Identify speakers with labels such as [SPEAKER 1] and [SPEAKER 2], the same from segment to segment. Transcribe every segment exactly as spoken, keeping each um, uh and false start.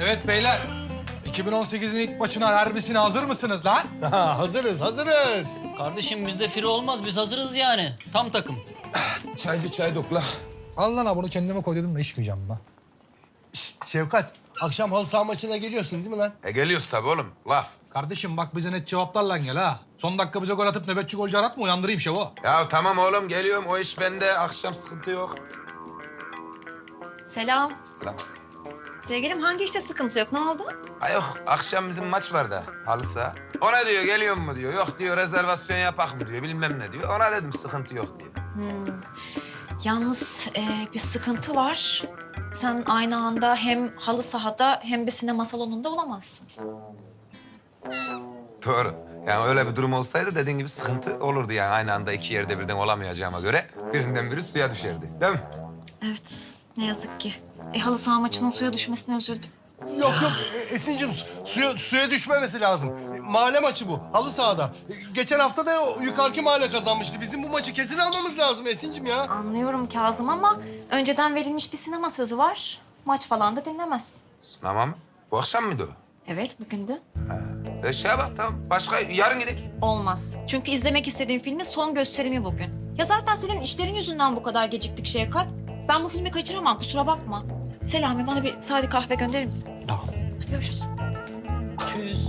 [SPEAKER 1] Evet beyler. iki bin on sekizin ilk maçına, derbisine hazır mısınız lan?
[SPEAKER 2] Ha, hazırız, hazırız.
[SPEAKER 3] Kardeşim bizde firi olmaz. Biz hazırız yani. Tam takım.
[SPEAKER 4] Çaycı çay dokla.
[SPEAKER 1] Al lan ha, bunu kendime koy dedim de içmeyeceğim lan.
[SPEAKER 2] Şş, Şevkat, akşam halı saha maçına geliyorsun değil mi lan?
[SPEAKER 4] E geliyoruz tabii oğlum. Laf.
[SPEAKER 1] Kardeşim bak bize net cevaplarla gel ha. Son dakika bize gol atıp nöbetçi golcü aratma, uyandırayım Şevo.
[SPEAKER 4] Ya tamam oğlum geliyorum. O iş bende. Akşam sıkıntı yok.
[SPEAKER 5] Selam.
[SPEAKER 4] Lan.
[SPEAKER 5] Sevgilim hangi işte sıkıntı yok? Ne oldu?
[SPEAKER 4] Ha yok. Akşam bizim maç var da halı saha. Ona diyor geliyor mu diyor. Yok diyor rezervasyon yapak mı diyor. Bilmem ne diyor. Ona dedim sıkıntı yok diyor.
[SPEAKER 5] Yalnız e, bir sıkıntı var. Sen aynı anda hem halı sahada hem de sinema salonunda olamazsın.
[SPEAKER 4] Doğru. Yani öyle bir durum olsaydı dediğin gibi sıkıntı olurdu yani. Aynı anda iki yerde birden olamayacağıma göre birinden biri suya düşerdi. Değil mi?
[SPEAKER 5] Evet, ne yazık ki. E, halı saha maçının suya düşmesine üzüldüm.
[SPEAKER 2] Yok yok, e, Esin'cim suya, suya düşmemesi lazım. E, Mahalle maçı bu, halı sahada. E, Geçen hafta da o yukarıki mahalle kazanmıştı. Bizim bu maçı kesin almamız lazım Esin'cim ya.
[SPEAKER 5] Anlıyorum Kazım ama önceden verilmiş bir sinema sözü var. Maç falan da dinlemez.
[SPEAKER 4] Sınava mı? Bu akşam mıydı o?
[SPEAKER 5] Evet, bugündü.
[SPEAKER 4] E şeye bak tamam. Başka yarın gidelim.
[SPEAKER 5] Olmaz. Çünkü izlemek istediğim filmin son gösterimi bugün. Ya zaten senin işlerin yüzünden bu kadar geciktik Şevkat. Ben bu filmi kaçıramam, kusura bakma. Selami, bana bir sade kahve gönderir misin?
[SPEAKER 1] Tamam.
[SPEAKER 5] Hadi görüşürüz.
[SPEAKER 3] Tüz.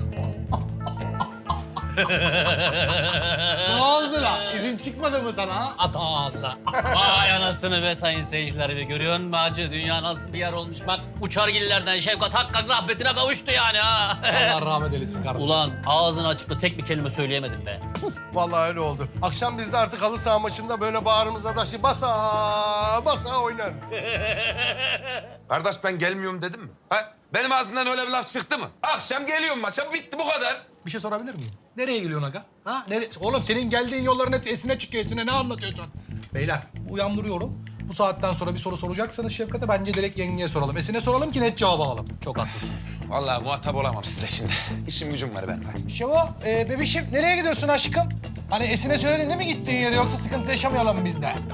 [SPEAKER 1] Ne oldu lan? İzin çıkmadı mı sana? At ağzına.
[SPEAKER 3] Vay anasını be sayın seyirciler. Bir görüyor musun hacı? Dünya nasıl bir yer olmuş? Bak uçargillerden Şevkat Hakk'ın rahmetine kavuştu yani ha.
[SPEAKER 1] Allah rahmet eylesin kardeşim.
[SPEAKER 3] Ulan ağzını açıp da tek bir kelime söyleyemedim be.
[SPEAKER 2] Vallahi öyle oldu. Akşam biz de artık halı saha maçında böyle bağrımıza taşı basa basa oynarız.
[SPEAKER 4] Kardeş ben gelmiyorum dedim mi? Ha? Benim ağzımdan öyle bir laf çıktı mı? Akşam geliyorum maça bitti bu kadar.
[SPEAKER 1] Bir şey sorabilir miyim? Nereye geliyorsun aga? Ha? Nere Oğlum senin geldiğin yolların hepsi esine çıkıyor, esine. Ne anlatıyorsun? Beyler uyandırıyorum. Bu saatten sonra bir soru soracaksanız Şefkat'e bence direkt yengeye soralım. Esine soralım ki net cevap alalım.
[SPEAKER 3] Çok haklısınız.
[SPEAKER 4] Vallahi muhatap olamam sizle şimdi. İşim gücüm var benim.
[SPEAKER 1] Şevo, e, bebişim nereye gidiyorsun aşkım? Hani Esin'e söyledin değil mi gittiğin yeri, yoksa sıkıntı yaşamayalım biz de.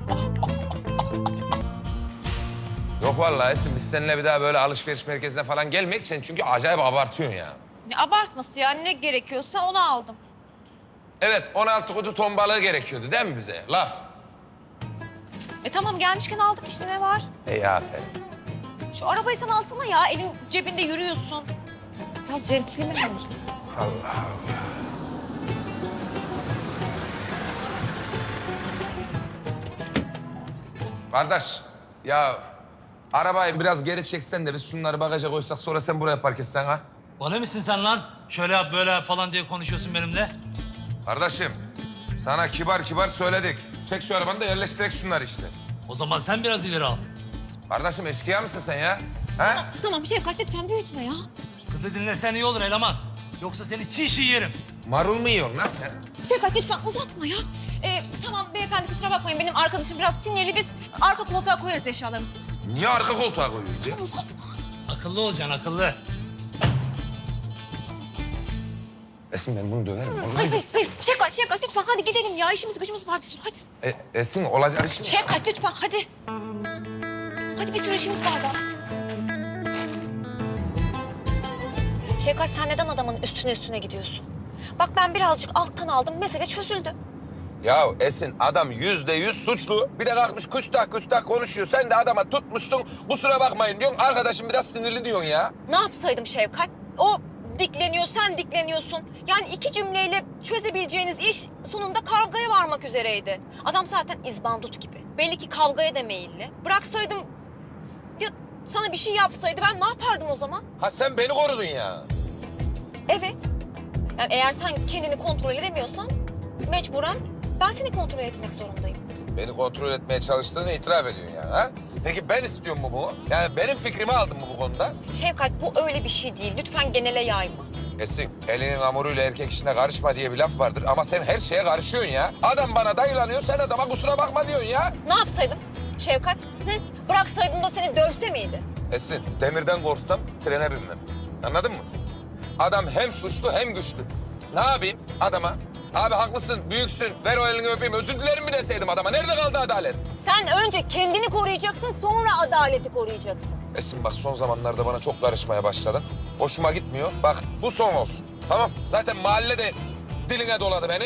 [SPEAKER 4] Yok vallahi Esin biz seninle bir daha böyle alışveriş merkezine falan gelmeyek. Sen çünkü acayip abartıyorsun ya.
[SPEAKER 5] Ne abartması ya, ne gerekiyorsa onu aldım.
[SPEAKER 4] Evet on altı kutu ton balığı gerekiyordu değil mi bize? Laf.
[SPEAKER 5] E tamam, gelmişken aldık işte, ne var?
[SPEAKER 4] İyi aferin.
[SPEAKER 5] Şu arabayı sen alsana ya, elin cebinde yürüyorsun. Biraz centilmen olur.
[SPEAKER 4] Allah Allah. Kardeş ya arabayı biraz geri çeksen de biz şunları bagaja koysak sonra sen buraya park etsen ha.
[SPEAKER 6] Bana mısın sen lan? Şöyle yap böyle yap falan diye konuşuyorsun benimle.
[SPEAKER 4] Kardeşim sana kibar kibar söyledik. Çek şu arabanı da yerleştirek şunları işte.
[SPEAKER 6] O zaman sen biraz ileri al.
[SPEAKER 4] Kardeşim eşkıya mısın sen ya? Ha?
[SPEAKER 5] Tamam Şevkat, lütfen büyütme ya.
[SPEAKER 6] Kızı dinlesen iyi olur eleman. Yoksa seni çiğ çiğ yerim.
[SPEAKER 4] Marul mu yiyorsun lan sen?
[SPEAKER 5] Şevkat lütfen uzatma ya. Ee, tamam beyefendi, kusura bakmayın, benim arkadaşım biraz sinirli. Biz arka koltuğa koyarız eşyalarımızı.
[SPEAKER 4] Niye arka koltuğa koyuyoruz ya?
[SPEAKER 5] Uzatma.
[SPEAKER 6] Akıllı olacaksın akıllı.
[SPEAKER 4] Esin ben bunu döverim.
[SPEAKER 5] Hayır, hayır, hayır. Şevkat, Şevkat lütfen hadi gidelim ya. İşimiz gücümüz var bir sürü, hadi.
[SPEAKER 4] E, Esin olacak iş mi?
[SPEAKER 5] Şevkat lütfen hadi. Hadi bir sürü işimiz var daha, hadi. Şevkat, sen neden adamın üstüne üstüne gidiyorsun? Bak ben birazcık alttan aldım, mesele çözüldü.
[SPEAKER 4] Ya Esin adam yüzde yüz suçlu. Bir de kalkmış küstah küstah konuşuyor. Sen de adama tutmuşsun. Kusura bakmayın diyorsun. Arkadaşım biraz sinirli diyorsun ya.
[SPEAKER 5] Ne yapsaydım Şevkat? O dikleniyor, sen dikleniyorsun. Yani iki cümleyle çözebileceğiniz iş sonunda kavgaya varmak üzereydi. Adam zaten izbandut gibi. Belli ki kavgaya da meyilli. Bıraksaydım, ya sana bir şey yapsaydı ben ne yapardım o zaman?
[SPEAKER 4] Ha sen beni korudun ya.
[SPEAKER 5] Evet. Yani eğer sen kendini kontrol edemiyorsan mecburen ben seni kontrol etmek zorundayım.
[SPEAKER 4] Beni kontrol etmeye çalıştığını itiraf ediyorsun yani ha? Peki ben istiyorum mu bu? Yani benim fikrimi aldın mı bu konuda?
[SPEAKER 5] Şevkat, bu öyle bir şey değil. Lütfen genele yayma.
[SPEAKER 4] Esin, elinin hamuruyla erkek işine karışma diye bir laf vardır ama sen her şeye karışıyorsun ya. Adam bana dayılanıyor, sen adama kusura bakma diyorsun ya.
[SPEAKER 5] Ne yapsaydım Şevkat? Hı? Bıraksaydım da seni dövse miydi?
[SPEAKER 4] Esin, demirden korksam trene binmem. Anladın mı? Adam hem suçlu hem güçlü. Ne yapayım adama? Abi haklısın, büyüksün, ver o elini öpeyim, özür dilerim mi deseydim adama? Nerede kaldı adalet?
[SPEAKER 5] Sen önce kendini koruyacaksın, sonra adaleti koruyacaksın.
[SPEAKER 4] Esin bak son zamanlarda bana çok karışmaya başladın. Hoşuma gitmiyor. Bak bu son olsun. Tamam. Zaten mahalle de diline doladı beni.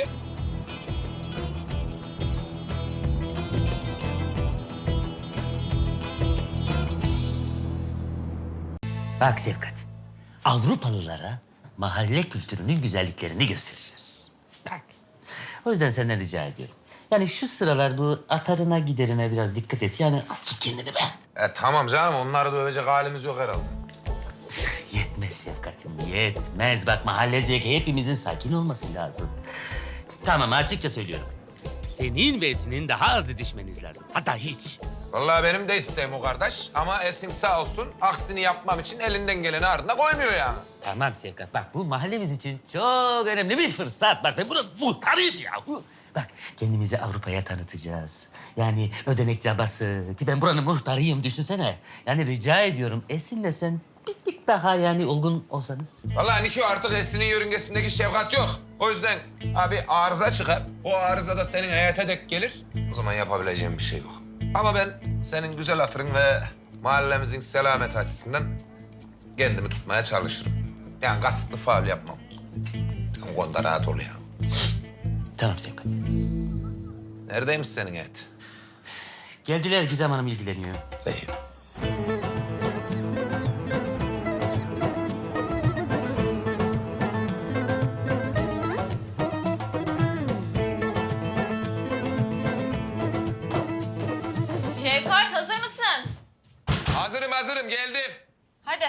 [SPEAKER 3] Bak Şefkat, Avrupalılara mahalle kültürünün güzelliklerini göstereceğiz. Bak, o yüzden senden rica ediyorum. Yani şu sıralar bu atarına giderine biraz dikkat et. Yani az tut kendini be.
[SPEAKER 4] E tamam canım onları da övecek halimiz yok herhalde.
[SPEAKER 3] Yetmez Şefkat'im, yetmez. Bak mahallecek hepimizin sakin olması lazım. Tamam, açıkça söylüyorum. Senin ve Esin'in daha az didişmeniz lazım. Hatta hiç.
[SPEAKER 4] Vallahi benim de isteğim o kardeş. Ama Esin sağ olsun aksini yapmam için elinden geleni ardına koymuyor yani.
[SPEAKER 3] Tamam Şefkat, bak bu mahallemiz için çok önemli bir fırsat. Bak ben buna muhtarıyım ya. Bak kendimizi Avrupa'ya tanıtacağız. Yani ödenek cabası ki ben buranın muhtarıyım düşünsene. Yani rica ediyorum Esin'le sen bir tık daha yani olgun olsanız.
[SPEAKER 4] Vallahi Niko artık Esin'in yörüngesindeki şefkat yok. O yüzden abi arıza çıkar. O arıza da senin hayata dek gelir. O zaman yapabileceğim bir şey yok. Ama ben senin güzel hatırın ve mahallemizin selameti açısından kendimi tutmaya çalışırım. Yani kasıtlı faul yapmam. Sen o konuda rahat ol ya.
[SPEAKER 3] Tamam Şefkat.
[SPEAKER 4] Neredeymiş senin et?
[SPEAKER 3] Geldiler, Gizem Hanım ilgileniyor.
[SPEAKER 4] İyi.
[SPEAKER 5] Şevkat hazır mısın?
[SPEAKER 4] Hazırım hazırım geldim.
[SPEAKER 5] Hadi.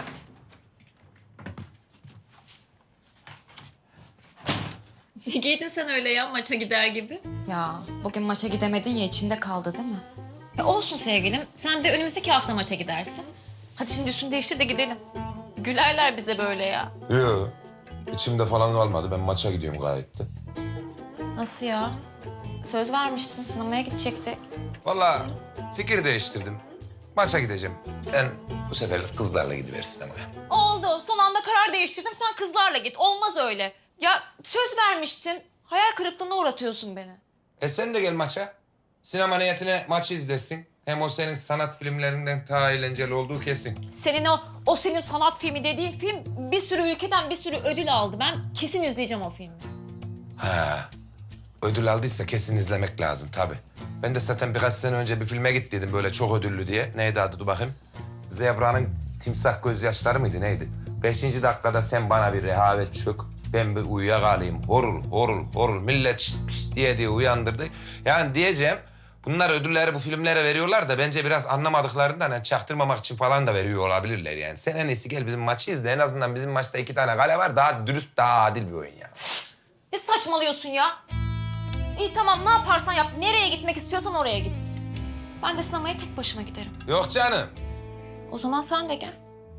[SPEAKER 7] Ne giydin sen öyle ya maça gider gibi?
[SPEAKER 5] Ya bugün maça gidemedin ya içinde kaldı değil mi? Ya olsun sevgilim. Sen de önümüzdeki hafta maça gidersin. Hadi şimdi üstünü değiştir de gidelim.
[SPEAKER 7] Gülerler bize böyle ya.
[SPEAKER 4] Yok. İçimde falan kalmadı. Ben maça gidiyorum gayet de.
[SPEAKER 5] Nasıl ya? Söz vermiştin sinemaya gidecektik.
[SPEAKER 4] Vallahi fikir değiştirdim. Maça gideceğim. Sen bu seferlik kızlarla gidiversin ama.
[SPEAKER 5] Oldu. Son anda karar değiştirdim. Sen kızlarla git. Olmaz öyle. Ya söz vermiştin. Hayal kırıklığına uğratıyorsun beni.
[SPEAKER 4] E sen de gel maça. Sinema niyetine maçı izlesin. Hem o senin sanat filmlerinden daha eğlenceli olduğu kesin.
[SPEAKER 5] Senin o, o senin sanat filmi dediğin film bir sürü ülkeden bir sürü ödül aldı. Ben kesin izleyeceğim o filmi.
[SPEAKER 4] Ha. Ödül aldıysa kesin izlemek lazım tabii. Ben de zaten birkaç sene önce bir filme gittiydim böyle çok ödüllü diye. Neydi adı dur bakayım. Zebra'nın timsah gözyaşları mıydı neydi? Beşinci dakikada sen bana bir rehavet çök. Ben bir uyuyakalayım. Horul, horul, horul. Millet şşt, şşt diye diye uyandırdı. Yani diyeceğim bunlar ödülleri bu filmlere veriyorlar da bence biraz anlamadıklarından yani çaktırmamak için falan da veriyor olabilirler yani. Sen en iyisi gel bizim maçı izle. En azından bizim maçta iki tane kale var. Daha dürüst, daha adil bir oyun ya.
[SPEAKER 5] Ne saçmalıyorsun ya? İyi tamam ne yaparsan yap. Nereye gitmek istiyorsan oraya git. Ben de sinemaya tek başıma giderim.
[SPEAKER 4] Yok canım.
[SPEAKER 5] O zaman sen de gel.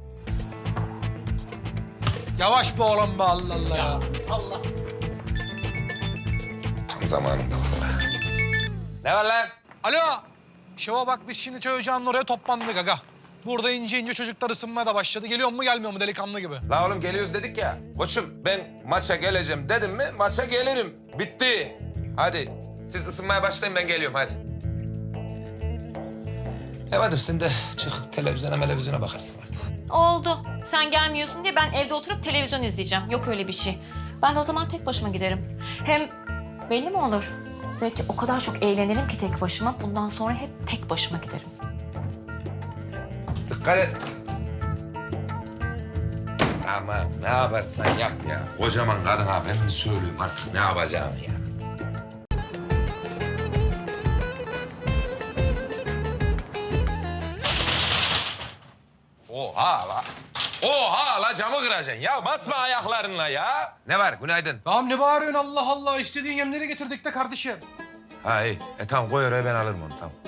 [SPEAKER 1] Yavaş be oğlum be Allah Allah ya.
[SPEAKER 5] Allah.
[SPEAKER 4] Tam zamanında vallahi. Ne var lan?
[SPEAKER 1] Alo. Şeva bak biz şimdi köy ocağının oraya toplandık aga. Burada ince ince çocuklar ısınmaya da başladı. Geliyor mu gelmiyor mu delikanlı gibi?
[SPEAKER 4] La oğlum geliyoruz dedik ya. Koçum ben maça geleceğim dedim mi maça gelirim. Bitti. Hadi siz ısınmaya başlayın ben geliyorum hadi. Ya hadi sen de çıkıp televizyona televizyona bakarsın artık.
[SPEAKER 5] Oldu. Sen gelmiyorsun diye ben evde oturup televizyon izleyeceğim. Yok öyle bir şey. Ben de o zaman tek başıma giderim. Hem belli mi olur? Belki o kadar çok eğlenirim ki tek başıma. Bundan sonra hep tek başıma giderim.
[SPEAKER 4] Dikkat et. Ama ne yaparsan yap ya. Kocaman kadına ben mi söylüyorum artık ne yapacağım ya. Oha la. Oha la camı kıracaksın ya. Basma ayaklarınla ya. Ne var günaydın.
[SPEAKER 1] Tamam ne bağırıyorsun Allah Allah. İstediğin yemleri getirdik de kardeşim.
[SPEAKER 4] Ha iyi. E tamam koy oraya ben alırım onu tamam.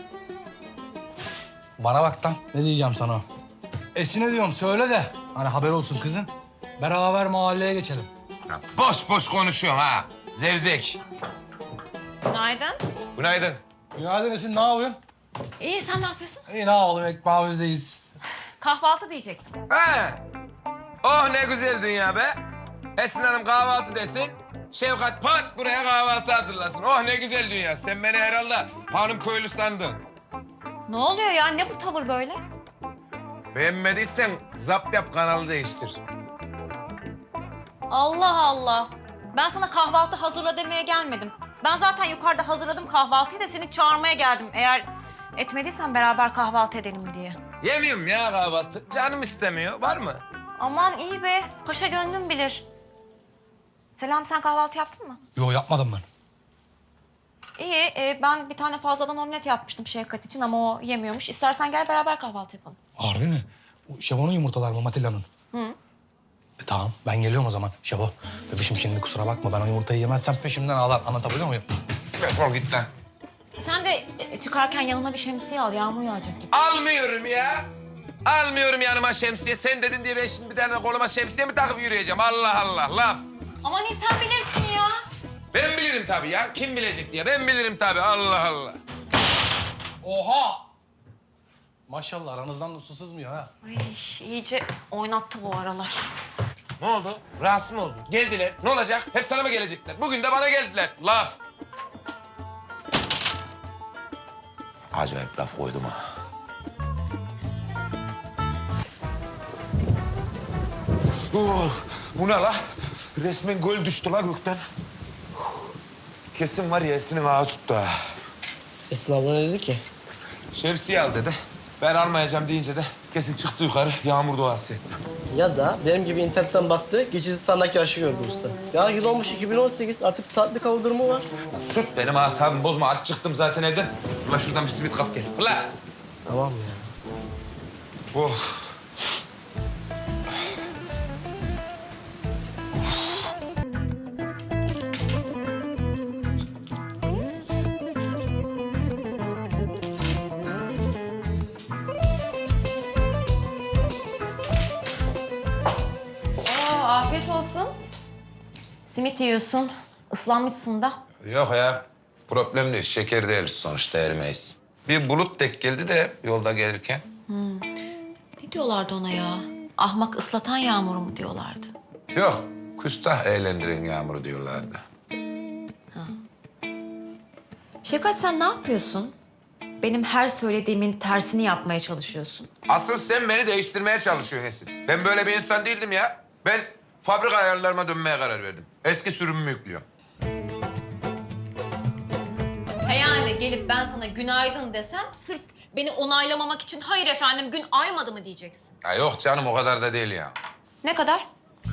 [SPEAKER 1] Bana bak lan. Ne diyeceğim sana? Esin'e diyorum söyle de. Hani haber olsun kızım. Beraber mahalleye geçelim.
[SPEAKER 4] Ya boş boş konuşuyorsun ha. Zevzek.
[SPEAKER 5] Günaydın.
[SPEAKER 4] Günaydın.
[SPEAKER 1] Günaydın Esin ne yapıyorsun?
[SPEAKER 5] İyi sen ne yapıyorsun?
[SPEAKER 1] İyi ne yapalım ekmeğimizdeyiz.
[SPEAKER 5] Kahvaltı diyecektim.
[SPEAKER 4] Ha. Oh ne güzel dünya be. Esin Hanım kahvaltı desin. Şevkat pat buraya kahvaltı hazırlasın. Oh ne güzel dünya. Sen beni herhalde hanım köylü sandın.
[SPEAKER 5] Ne oluyor ya? Ne bu tavır böyle?
[SPEAKER 4] Beğenmediysen zap yap, kanalı değiştir.
[SPEAKER 5] Allah Allah. Ben sana kahvaltı hazırla demeye gelmedim. Ben zaten yukarıda hazırladım kahvaltıyı da seni çağırmaya geldim. Eğer etmediysen beraber kahvaltı edelim diye.
[SPEAKER 4] Yemiyorum ya kahvaltı. Canım istemiyor. Var mı?
[SPEAKER 5] Aman iyi be. Paşa gönlüm bilir. Selam, sen kahvaltı yaptın mı?
[SPEAKER 1] Yo, yapmadım ben.
[SPEAKER 5] İyi. e, ben bir tane fazladan omlet yapmıştım Şevkat için ama o yemiyormuş. İstersen gel beraber kahvaltı yapalım.
[SPEAKER 1] Harbi mi? O Şebo'nun yumurtalar mı, Matilda'nın? Hı. E, tamam, ben geliyorum o zaman. Şebo, bebişim şimdi kusura bakma. Ben o yumurtayı yemezsem peşimden ağlar. Anlatabiliyor muyum?
[SPEAKER 4] Defol git lan.
[SPEAKER 5] Sen de e, çıkarken yanına bir şemsiye al. Yağmur yağacak gibi.
[SPEAKER 4] Almıyorum ya. Almıyorum yanıma şemsiye. Sen dedin diye ben şimdi bir tane koluma şemsiye mi takıp yürüyeceğim? Allah Allah, laf.
[SPEAKER 5] Aman iyi, sen bilirsin ya.
[SPEAKER 4] Ben bilirim tabii ya. Kim bilecek diye. Ben bilirim tabii. Allah Allah.
[SPEAKER 1] Oha! Maşallah aranızdan da su sızmıyor ha.
[SPEAKER 5] Ay, iyice oynattı bu aralar.
[SPEAKER 4] Ne oldu? Rahatsız mı oldun? Geldiler. Ne olacak? Hep sana mı gelecekler? Bugün de bana geldiler. Laf. Acayip laf koydum ha. Oh, bu ne la? Resmen göl düştü la gökten. Kesin var ya Esin'in ağı tuttu ha.
[SPEAKER 2] Esin abla ne dedi ki?
[SPEAKER 4] Şemsiye al dedi. Ben almayacağım deyince de kesin çıktı yukarı. Yağmur duası etti.
[SPEAKER 2] Ya da benim gibi internetten baktı, geçici sandalye aşı gördü usta. Ya yıl olmuş iki bin on sekiz, artık saatlik hava durumu var.
[SPEAKER 4] Tut benim asabımı bozma. Aç çıktım zaten evden. Ulan şuradan bir simit kap gel. Ulan.
[SPEAKER 2] Tamam ya.
[SPEAKER 4] Oh.
[SPEAKER 5] Oo, afiyet olsun. Simit yiyorsun. Islanmışsın da.
[SPEAKER 4] Yok ya. Problem değil. Şeker değil sonuçta, erimeyiz. Bir bulut tek geldi de yolda gelirken.
[SPEAKER 5] Ne diyorlardı ona ya? Ahmak ıslatan yağmuru mu diyorlardı?
[SPEAKER 4] Yok. Küstah eğlendiren yağmuru diyorlardı.
[SPEAKER 5] Şevkat, sen ne yapıyorsun? Benim her söylediğimin tersini yapmaya çalışıyorsun.
[SPEAKER 4] Asıl sen beni değiştirmeye çalışıyorsun Esin. Ben böyle bir insan değildim ya. Ben fabrika ayarlarıma dönmeye karar verdim. Eski sürümümü yüklüyorum.
[SPEAKER 5] He yani gelip ben sana günaydın desem sırf beni onaylamamak için hayır efendim gün aymadı mı diyeceksin.
[SPEAKER 4] Ya yok canım, o kadar da değil ya.
[SPEAKER 5] Ne kadar?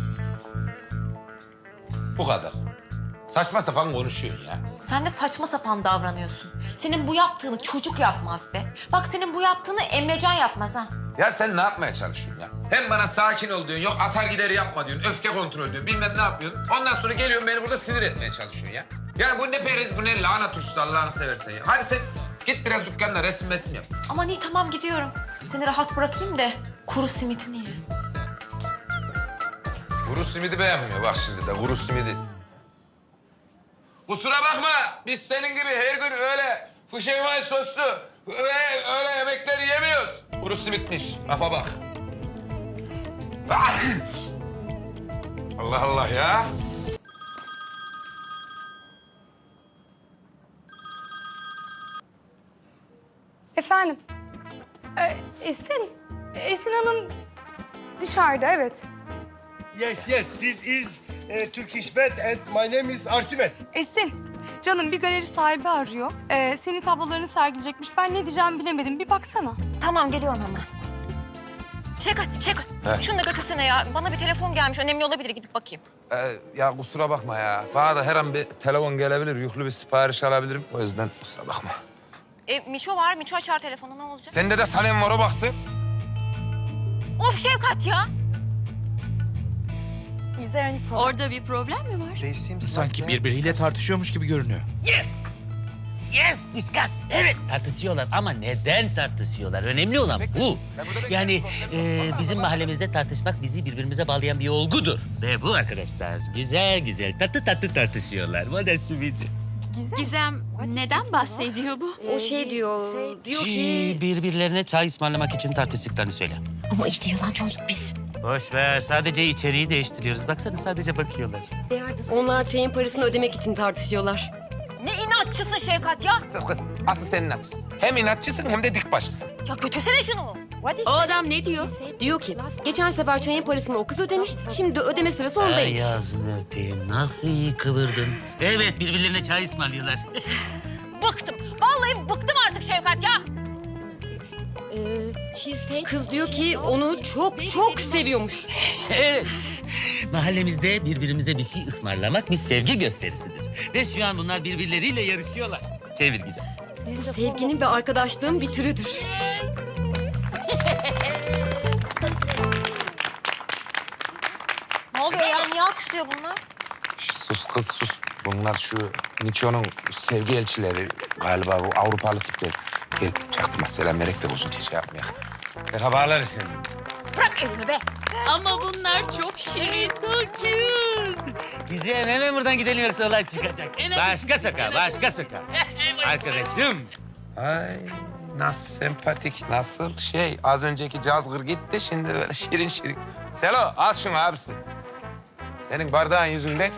[SPEAKER 4] Bu kadar. Saçma sapan konuşuyorsun ya.
[SPEAKER 5] Sen de saçma sapan davranıyorsun. Senin bu yaptığını çocuk yapmaz be. Bak senin bu yaptığını Emrecan yapmaz ha.
[SPEAKER 4] Ya sen ne yapmaya çalışıyorsun ya? Hem bana sakin ol diyorsun, yok atar gideri yapma diyorsun, öfke kontrol diyorsun, bilmem ne yapıyorsun. Ondan sonra geliyorsun beni burada sinir etmeye çalışıyorsun ya. Yani bu ne periz, bu ne lahana turşusu Allah'ını seversen ya. Hadi sen git biraz dükkanda resim mesim yap.
[SPEAKER 5] Aman iyi tamam gidiyorum. Seni rahat bırakayım da kuru simitini ye.
[SPEAKER 4] Kuru simidi beğenmiyor bak şimdi de, kuru simidi. Kusura bakma, biz senin gibi her gün öyle fışemal soslu öyle, öyle yemekleri yemiyoruz. Kuru simitmiş, lafa bak. Ah! Allah Allah ya.
[SPEAKER 8] Efendim? Ee, Esin, Esin Hanım dışarıda, evet.
[SPEAKER 2] Yes, yes, this is uh, Turkish bed and my name is Archimet.
[SPEAKER 8] Esin, canım bir galeri sahibi arıyor. Ee, senin tablolarını sergileyecekmiş. Ben ne diyeceğimi bilemedim. Bir baksana.
[SPEAKER 5] Tamam geliyorum hemen. Şevkat, Şevkat.
[SPEAKER 4] He.
[SPEAKER 5] Şunu da götürsene ya. Bana bir telefon gelmiş. Önemli olabilir. Gidip bakayım.
[SPEAKER 4] Ee, ya kusura bakma ya. Bana da her an bir telefon gelebilir, yüklü bir sipariş alabilirim. O yüzden kusura bakma.
[SPEAKER 5] E, Miço var. Miço açar telefonu. Ne olacak?
[SPEAKER 4] Sende de Sanem var, o baksın.
[SPEAKER 5] Of Şevkat ya.
[SPEAKER 7] Orada bir problem mi var?
[SPEAKER 9] Sanki birbiriyle tartışıyormuş gibi görünüyor.
[SPEAKER 3] Yes! Yes, discuss. Evet, tartışıyorlar ama neden tartışıyorlar? Önemli olan bu. Yani e, bizim mahallemizde tartışmak bizi birbirimize bağlayan bir olgudur. Ve bu arkadaşlar güzel güzel tatlı tatlı tartışıyorlar. Bu da sümidi.
[SPEAKER 7] Gizem neden bahsediyor bu?
[SPEAKER 10] O şey diyor, diyor ki...
[SPEAKER 3] Birbirlerine çay ısmarlamak için tartıştıklarını söyle.
[SPEAKER 10] Ama işte yazan çocuk biz.
[SPEAKER 3] Boş ver, sadece içeriği değiştiriyoruz. Baksana sadece bakıyorlar.
[SPEAKER 10] Onlar çayın parasını ödemek için tartışıyorlar.
[SPEAKER 5] Ne inatçısın Şevkat ya.
[SPEAKER 4] Kız, kız, asıl sen inatçısın. Hem inatçısın hem de dik başlısın.
[SPEAKER 5] Ya götürsene şunu.
[SPEAKER 10] O adam ne diyor? Diyor ki geçen sefer çayın parasını o kız ödemiş, şimdi de ödeme sırası ondaymış.
[SPEAKER 3] Ay ağzını öpeyim. Nasıl iyi kıvırdın. Evet birbirlerine çay ısmarlıyorlar.
[SPEAKER 5] Bıktım. Vallahi bıktım artık Şevkat ya.
[SPEAKER 10] Ee, kız diyor ki onu çok çok seviyormuş.
[SPEAKER 3] Evet. Mahallemizde birbirimize bir şey ısmarlamak bir sevgi gösterisidir. Ve şu an bunlar birbirleriyle yarışıyorlar. Çevir güzel.
[SPEAKER 10] Sevginin ve arkadaşlığın bir türüdür.
[SPEAKER 5] Ne oluyor ya? Niye alkışlıyor bunlar?
[SPEAKER 4] Şş, sus kız sus. Bunlar şu Nietzsche'nin sevgi elçileri galiba bu Avrupalı tipler. Gel çaktırma selam vererek de bozuntuya şey yapmayalım. Merhabalar efendim.
[SPEAKER 5] Bırak elini be.
[SPEAKER 7] Ama bunlar çok şirin.
[SPEAKER 3] So cute. Güzel hemen buradan gidelim yoksa olay çıkacak. Başka sokağa, başka sokağa. Arkadaşım.
[SPEAKER 4] Ay nasıl sempatik, nasıl şey. Az önceki cazgır gitti, şimdi böyle şirin şirin. Selo, al şunu abisi. Senin bardağın yüzünden.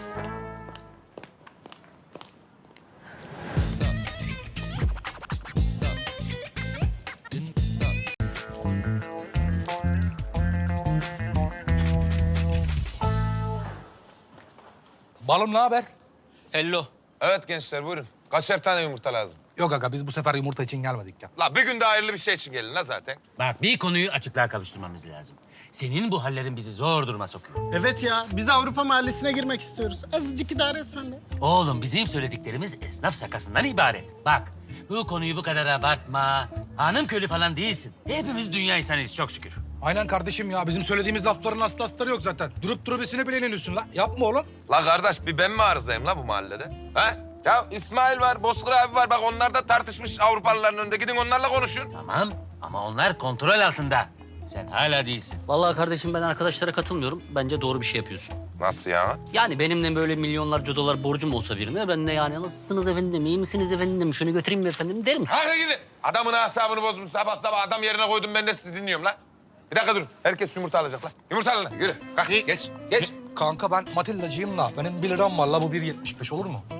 [SPEAKER 1] Balım ne haber?
[SPEAKER 9] Hello.
[SPEAKER 4] Evet gençler buyurun. Kaçer tane yumurta lazım?
[SPEAKER 1] Yok aga biz bu sefer yumurta için gelmedik ya.
[SPEAKER 4] La bir günde hayırlı bir şey için gelin la zaten.
[SPEAKER 3] Bak bir konuyu açıklığa kavuşturmamız lazım. Senin bu hallerin bizi zor duruma sokuyor.
[SPEAKER 11] Evet ya, biz Avrupa Mahallesi'ne girmek istiyoruz. Azıcık idare etsen de.
[SPEAKER 3] Oğlum bizim söylediklerimiz esnaf şakasından ibaret. Bak bu konuyu bu kadar abartma. Hanım köylü falan değilsin. Hepimiz dünya insanıyız çok şükür.
[SPEAKER 1] Aynen kardeşim ya. Bizim söylediğimiz lafların aslı astarı yok zaten. Durup durubesine bile inanıyorsun la. Yapma oğlum.
[SPEAKER 4] La kardeş bir ben mi arızayım la bu mahallede? Ha? Ya İsmail var, Bozkır abi var. Bak onlar da tartışmış Avrupalıların önünde. Gidin onlarla konuşun.
[SPEAKER 3] Tamam ama onlar kontrol altında. Sen hala değilsin.
[SPEAKER 12] Vallahi kardeşim ben arkadaşlara katılmıyorum. Bence doğru bir şey yapıyorsun.
[SPEAKER 4] Nasıl ya?
[SPEAKER 12] Yani benimle böyle milyonlarca dolar borcum olsa birine ben de yani nasılsınız efendim, iyi misiniz efendim, şunu götüreyim mi efendim derim.
[SPEAKER 4] Hadi gidin. Adamın asabını bozmuş. Sabah sabah adam yerine koydum. Ben de sizi dinliyorum la. Bir dakika dur. Herkes yumurta alacak la. Yumurta alın la. Yürü. Kalk geç. Geç.
[SPEAKER 1] Kanka ben Matilda'cıyım da. Benim bir liram var la. Bu bir yetmiş beş olur mu?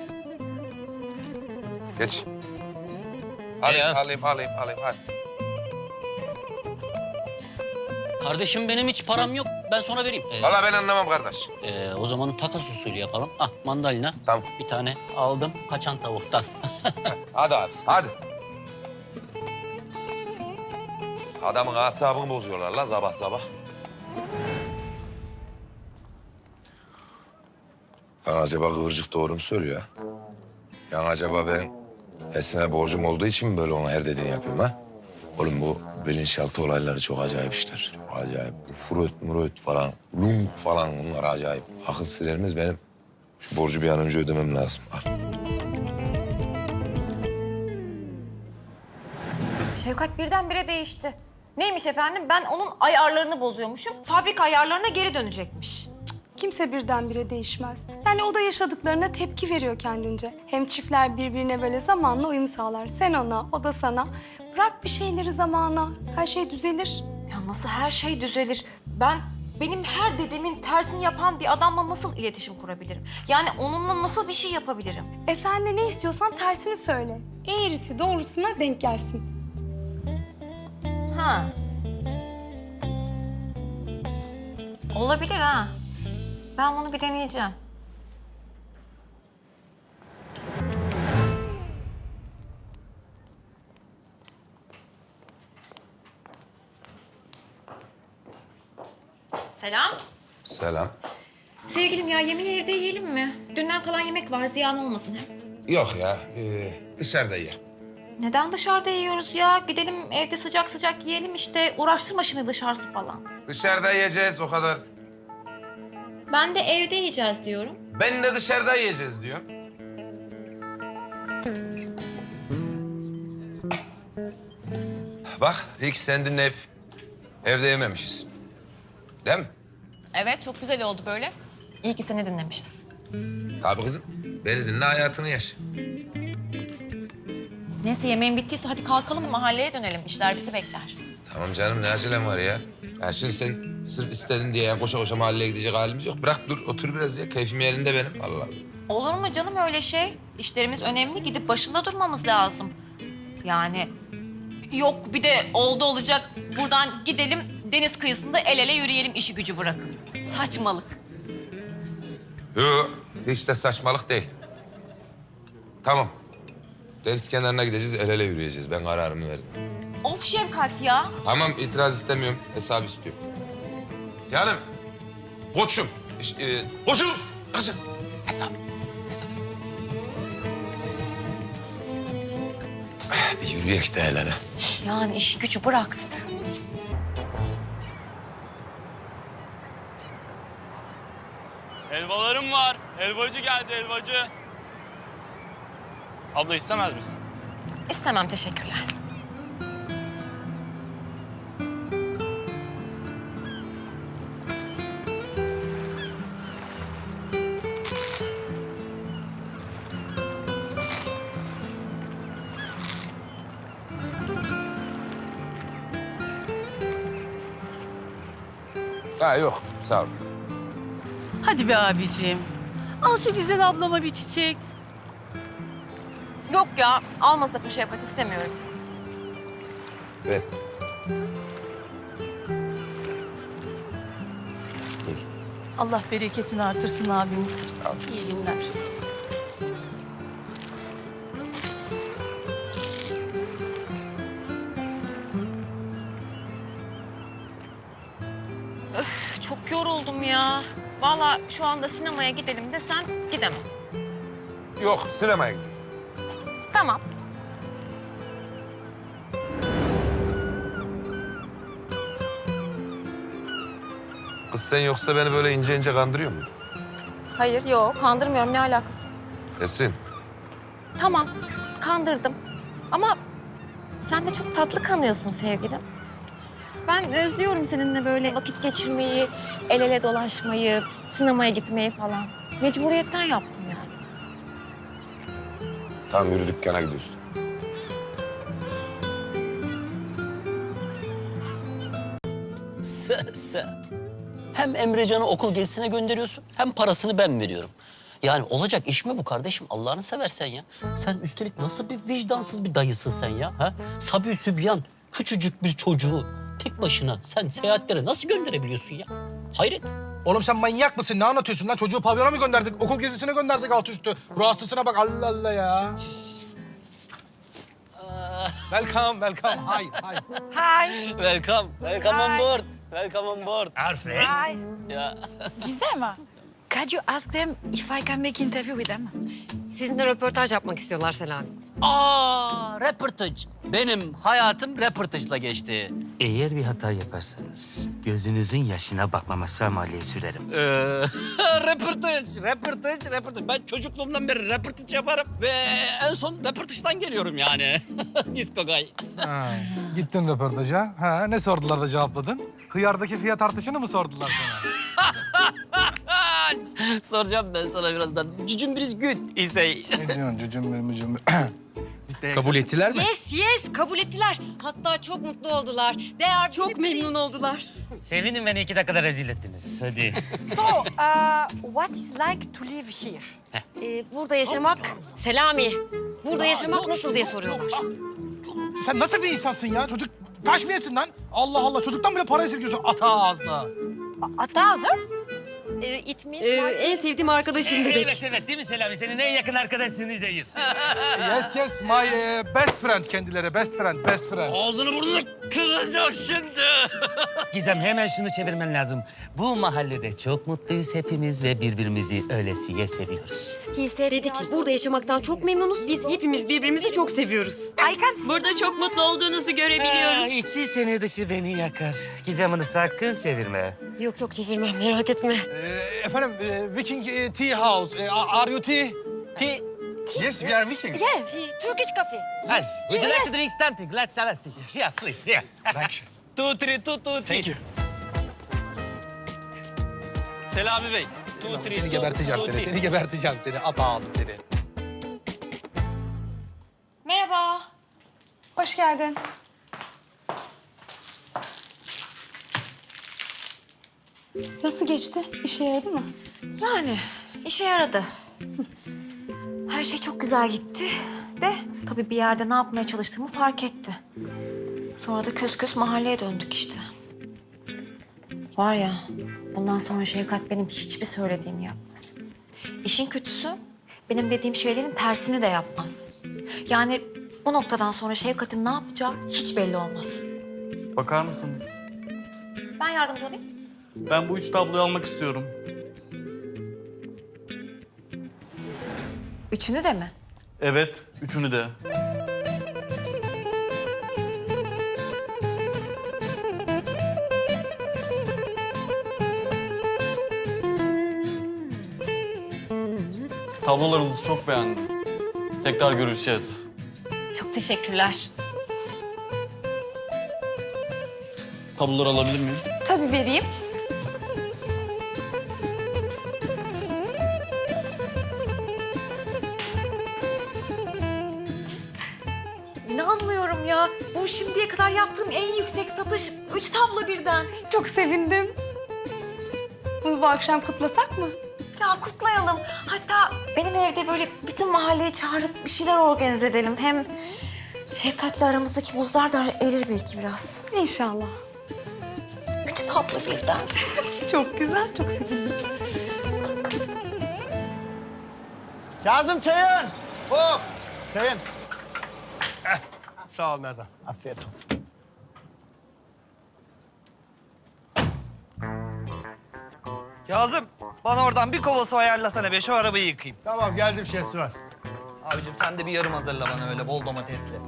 [SPEAKER 4] Geç. Alayım,
[SPEAKER 12] Beyaz.
[SPEAKER 4] alayım, alayım, alayım. Hadi.
[SPEAKER 12] Kardeşim benim hiç param yok. Ben sonra vereyim. Ee,
[SPEAKER 4] Vallahi ben anlamam kardeş.
[SPEAKER 12] e, o zaman takas usulü yapalım. Ah mandalina.
[SPEAKER 4] Tamam.
[SPEAKER 12] Bir tane aldım. Kaçan tavuktan.
[SPEAKER 4] Hadi abi, hadi. Adamın asabını bozuyorlar la sabah sabah. Ben acaba Kıvırcık doğru mu söylüyor? Yani acaba ben Esin'e borcum olduğu için mi böyle ona her dediğini yapıyorum ha? Oğlum bu bilinçaltı olayları çok acayip işler. Çok acayip. Bu Freud, Murut falan, Lung falan bunlar acayip. Akıl silerimiz benim. Şu borcu bir an önce ödemem lazım. Al.
[SPEAKER 5] Şevkat birdenbire değişti. Neymiş efendim? Ben onun ayarlarını bozuyormuşum. Fabrika ayarlarına geri dönecekmiş.
[SPEAKER 8] Kimse birdenbire değişmez. Yani o da yaşadıklarına tepki veriyor kendince. Hem çiftler birbirine böyle zamanla uyum sağlar. Sen ona, o da sana. Bırak bir şeyleri zamana. Her şey düzelir.
[SPEAKER 5] Ya nasıl her şey düzelir? Ben benim her dediğimin tersini yapan bir adamla nasıl iletişim kurabilirim? Yani onunla nasıl bir şey yapabilirim?
[SPEAKER 8] E sen de ne istiyorsan tersini söyle. Eğrisi doğrusuna denk gelsin.
[SPEAKER 5] Ha. Olabilir ha. Ben bunu bir deneyeceğim. Selam.
[SPEAKER 4] Selam.
[SPEAKER 5] Sevgilim ya yemeği evde yiyelim mi? Dünden kalan yemek var ziyan olmasın hem.
[SPEAKER 4] Yok ya, ee, dışarıda ye.
[SPEAKER 5] Neden dışarıda yiyoruz ya? Gidelim evde sıcak sıcak yiyelim işte. Uğraştırma şimdi dışarısı falan.
[SPEAKER 4] Dışarıda yiyeceğiz o kadar.
[SPEAKER 5] Ben de evde yiyeceğiz diyorum.
[SPEAKER 4] Ben de dışarıda yiyeceğiz diyor. Bak ilk sen dinleyip evde yememişiz. Değil mi?
[SPEAKER 5] Evet çok güzel oldu böyle. İyi ki seni dinlemişiz.
[SPEAKER 4] Tabii kızım. Beni dinle hayatını yaşa.
[SPEAKER 5] Neyse yemeğin bittiyse hadi kalkalım mahalleye dönelim. İşler bizi bekler.
[SPEAKER 4] Tamam canım ne acelem var ya. Ya şimdi sen sırf istedin diye yani koşa koşa mahalleye gidecek halimiz yok. Bırak dur otur biraz ya. Keyfim yerinde benim. Allah Allah.
[SPEAKER 5] Olur mu canım öyle şey? İşlerimiz önemli. Gidip başında durmamız lazım. Yani Yok bir de oldu olacak buradan gidelim deniz kıyısında el ele yürüyelim işi gücü bırakın. Saçmalık.
[SPEAKER 4] Yok, hiç de saçmalık değil. Tamam. Deniz kenarına gideceğiz, el ele yürüyeceğiz. Ben kararımı verdim.
[SPEAKER 5] Of Şefkat ya.
[SPEAKER 4] Tamam, itiraz istemiyorum. Hesap istiyorum. Canım, koçum. iş- E, koçum, kaçın. Hesap, hesap. Bir yürüyek de el ele.
[SPEAKER 5] Yani işi gücü bıraktık.
[SPEAKER 13] Helvalarım var. Helvacı geldi helvacı. Abla istemez misin?
[SPEAKER 5] İstemem teşekkürler.
[SPEAKER 4] Ha yok, sağ ol.
[SPEAKER 7] Hadi be abiciğim. Al şu güzel ablama bir çiçek.
[SPEAKER 5] Yok ya alma sakın Şefkat istemiyorum.
[SPEAKER 4] Ver.
[SPEAKER 7] Allah bereketini artırsın abim. İyi günler.
[SPEAKER 5] Öf çok yoruldum ya. Vallahi şu anda sinemaya gidelim desen gidemem.
[SPEAKER 4] Yok, sinemaya gidiyoruz.
[SPEAKER 5] Tamam.
[SPEAKER 4] Kız sen yoksa beni böyle ince ince kandırıyor musun?
[SPEAKER 5] Hayır yok kandırmıyorum ne alakası?
[SPEAKER 4] Esin,
[SPEAKER 5] Tamam kandırdım ama sen de çok tatlı kanıyorsun sevgilim. Ben özlüyorum seninle böyle vakit geçirmeyi, el ele dolaşmayı, sinemaya gitmeyi falan. Mecburiyetten yaptım yani.
[SPEAKER 4] tamam yürü dükkana gidiyorsun.
[SPEAKER 12] Sen, sen. Hem Emrecan'ı okul gezisine gönderiyorsun hem parasını ben veriyorum. Yani olacak iş mi bu kardeşim? Allah'ını seversen ya. Sen üstelik nasıl bir vicdansız bir dayısın sen ya? Ha? Sabi Sübyan, küçücük bir çocuğu tek başına sen seyahatlere nasıl gönderebiliyorsun ya? Hayret.
[SPEAKER 1] Oğlum sen manyak mısın? Ne anlatıyorsun lan? Çocuğu pavyona mı gönderdik? Okul gezisine gönderdik alt üstü. Ruh hastasına bak Allah Allah ya. Welcome, welcome. Hi, hi.
[SPEAKER 12] Welcome, welcome on board. Welcome on board.
[SPEAKER 6] Our friends.
[SPEAKER 12] Ya.
[SPEAKER 7] Gizem, could you ask them if I can make interview with them?
[SPEAKER 10] Sizinle röportaj yapmak istiyorlar Selami.
[SPEAKER 12] Aa, röportaj. Benim hayatım röportajla geçti. Eğer bir hata yaparsanız gözünüzün yaşına bakmama amaliye sürerim. Ee, röportaj, röportaj, röportaj. Ben çocukluğumdan beri röportaj yaparım ve en son röportajdan geliyorum yani. Disco guy.
[SPEAKER 1] Ha, gittin röportaja. Ha, ne sordular da cevapladın? Hıyardaki fiyat artışını mı sordular sana?
[SPEAKER 12] Soracağım ben sana birazdan. Cücüm biriz good, isey.
[SPEAKER 1] Ne diyorsun cücüm benim cücüm?
[SPEAKER 9] Kabul ettiler mi?
[SPEAKER 10] Yes, yes. Kabul ettiler. Hatta çok mutlu oldular. They are çok memnun oldular.
[SPEAKER 3] Sevinin beni iki dakikada rezil ettiniz. Hadi.
[SPEAKER 7] So, uh, what is like to live here?
[SPEAKER 10] Ee, burada yaşamak, Selami, burada yaşamak nasıl diye soruyorlar.
[SPEAKER 1] Sen nasıl bir insansın ya? Çocuk taş mı yesin lan? Allah Allah çocuktan bile para esirgiyorsun ata ağzına.
[SPEAKER 7] Ata hazır?
[SPEAKER 10] Ee, it means Ee, en sevdiğim arkadaşım dedik.
[SPEAKER 3] Evet evet değil mi Selami? Senin en yakın arkadaşsın Üzeyir.
[SPEAKER 1] Yes yes my eh, best friend kendileri best friend best friend.
[SPEAKER 3] Ağzını burnunu kıracağım şimdi. Gizem hemen şunu çevirmen lazım. Bu mahallede çok mutluyuz hepimiz ve birbirimizi öylesiye seviyoruz.
[SPEAKER 10] Hisse dedi ki burada yaşamaktan çok memnunuz. Biz hepimiz birbirimizi çok seviyoruz.
[SPEAKER 7] Burada çok mutlu olduğunuzu görebiliyorum.
[SPEAKER 3] Aa, içi seni dışı beni yakar. Gizem onu sakın çevirme.
[SPEAKER 10] Yok yok çevirmem merak etme.
[SPEAKER 1] Eh, efendim eh, Viking eh, Tea House. Eh, are you tea?
[SPEAKER 3] Tea.
[SPEAKER 1] Yes we are Vikings.
[SPEAKER 10] Yeah, Turkish coffee.
[SPEAKER 3] Nice. Would you like to drink something? Let's have a sip. Yeah, please. Yeah.
[SPEAKER 1] Thank you.
[SPEAKER 12] Two, three, two, two, three.
[SPEAKER 1] Thank you.
[SPEAKER 12] Selami Bey. Two, three,
[SPEAKER 1] Seni
[SPEAKER 12] two,
[SPEAKER 1] geberteceğim
[SPEAKER 12] two,
[SPEAKER 1] seni.
[SPEAKER 12] three.
[SPEAKER 1] Seni geberteceğim seni. Ata ağzı seni.
[SPEAKER 5] Merhaba.
[SPEAKER 8] Hoş geldin. Nasıl geçti? İşe yaradı mı?
[SPEAKER 5] Yani işe yaradı. Her şey çok güzel gitti de tabii bir yerde ne yapmaya çalıştığımı fark etti. Sonra da kös kös mahalleye döndük işte. Var ya, bundan sonra Şevkat benim hiçbir söylediğimi yapmaz. İşin kötüsü, benim dediğim şeylerin tersini de yapmaz. Yani bu noktadan sonra Şevkat'in ne yapacağı hiç belli olmaz.
[SPEAKER 13] Bakar mısınız?
[SPEAKER 5] Ben yardımcı olayım.
[SPEAKER 13] Ben bu üç tabloyu almak istiyorum.
[SPEAKER 5] Üçünü de mi?
[SPEAKER 13] Evet, üçünü de. Tablolarınızı çok beğendim. Tekrar görüşeceğiz.
[SPEAKER 5] Çok teşekkürler.
[SPEAKER 13] Tabloları alabilir miyim?
[SPEAKER 5] Tabii vereyim. İnanmıyorum ya. Bu şimdiye kadar yaptığım en yüksek satış. Üç tablo birden.
[SPEAKER 8] Çok sevindim. Bunu bu akşam kutlasak mı?
[SPEAKER 5] Ya kutlayalım. Hatta benim evde böyle bütün mahalleyi çağırıp bir şeyler organize edelim. Hem Şefkat'le aramızdaki buzlar da erir belki biraz.
[SPEAKER 8] İnşallah.
[SPEAKER 5] Üç tablo birden.
[SPEAKER 8] Çok güzel, çok sevindim.
[SPEAKER 11] Kazım çayın.
[SPEAKER 2] Hop!
[SPEAKER 11] Çayın.
[SPEAKER 2] Sağ ol Merdan.
[SPEAKER 11] Afiyet olsun.
[SPEAKER 14] Kazım, bana oradan bir kova su ayarlasana be, şu arabayı yıkayayım.
[SPEAKER 2] Tamam geldim Şehsuvar.
[SPEAKER 14] Abicim sen de bir yarım hazırla bana öyle bol domatesli.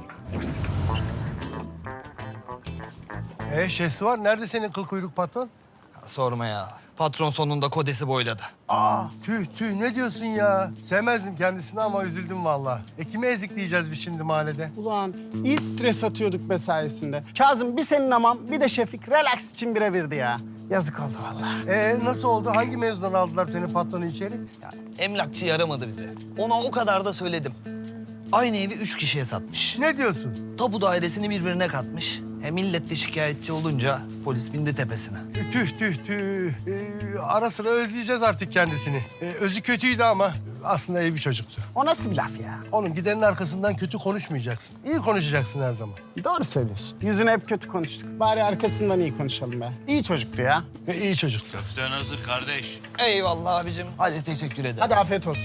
[SPEAKER 2] Ee Şehsuvar nerede senin kıl kuyruk patron?
[SPEAKER 14] Sorma ya. Patron sonunda kodesi boyladı.
[SPEAKER 2] Aa tüh tüh ne diyorsun ya? Sevmezdim kendisini ama üzüldüm vallahi. E kimi ezikleyeceğiz biz şimdi mahallede?
[SPEAKER 11] Ulan iyi stres atıyorduk mesaisinde. Kazım bir senin amam bir de Şefik relax için birebirdi ya. Yazık oldu vallahi.
[SPEAKER 2] Ee nasıl oldu? Hangi mevzudan aldılar senin patronu içeri?
[SPEAKER 14] Emlakçı yaramadı bize. Ona o kadar da söyledim. Aynı evi üç kişiye satmış.
[SPEAKER 2] Ne diyorsun?
[SPEAKER 14] Tapu dairesini birbirine katmış. Hem millet de şikayetçi olunca polis bindi tepesine.
[SPEAKER 2] Tüh tüh tüh. Ee, ara sıra özleyeceğiz artık kendisini. Ee, özü kötüydü ama aslında iyi bir çocuktu.
[SPEAKER 11] O nasıl bir laf ya?
[SPEAKER 2] Onun gidenin arkasından kötü konuşmayacaksın. İyi konuşacaksın her zaman.
[SPEAKER 11] Doğru söylüyorsun. Yüzüne hep kötü konuştuk. Bari arkasından iyi konuşalım be. İyi çocuktu ya.
[SPEAKER 2] Ve iyi çocuktu.
[SPEAKER 6] Köften hazır kardeş.
[SPEAKER 14] Eyvallah abicim. Hadi teşekkür ederim.
[SPEAKER 11] Hadi afiyet olsun.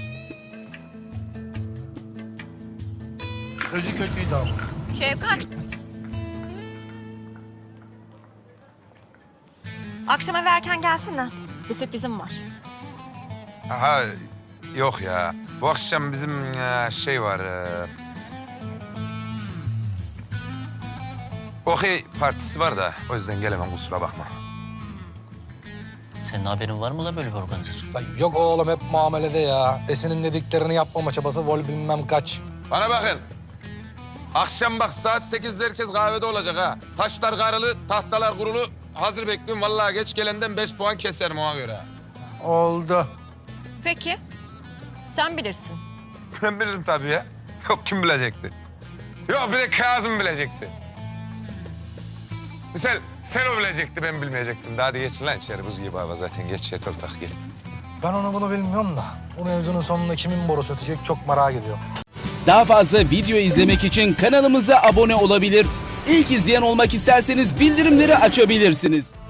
[SPEAKER 2] Özü kötüydü ama.
[SPEAKER 5] Şevkat. Akşam eve erken gelsene. Bir sürprizim var.
[SPEAKER 4] Aha yok ya. Bu akşam bizim e, şey var. E... Okey partisi var da o yüzden gelemem kusura bakma.
[SPEAKER 3] Senin haberin var mı la böyle bir organizasyon?
[SPEAKER 1] Lan yok oğlum hep muamelede ya. Esin'in dediklerini yapmama çabası vol bilmem kaç.
[SPEAKER 4] Bana bakın. Akşam bak saat sekizde herkes kahvede olacak ha. Taşlar karılı, tahtalar kurulu. Hazır bekliyorum. Vallahi geç gelenden beş puan keserim ona göre.
[SPEAKER 2] Oldu.
[SPEAKER 5] Peki. Sen bilirsin.
[SPEAKER 4] Ben bilirim tabii ya. Yok kim bilecekti? Yok bir de Kazım bilecekti. Sen, sen o bilecekti ben bilmeyecektim. Daha hadi geçin lan içeri buz gibi hava zaten. Geç yat ortak gel.
[SPEAKER 1] Ben onu bunu bilmiyorum da. Bu mevzunun sonunda kimin borusu ötecek çok merak ediyorum.
[SPEAKER 9] Daha fazla video izlemek için kanalımıza abone olabilir. İlk izleyen olmak isterseniz bildirimleri açabilirsiniz.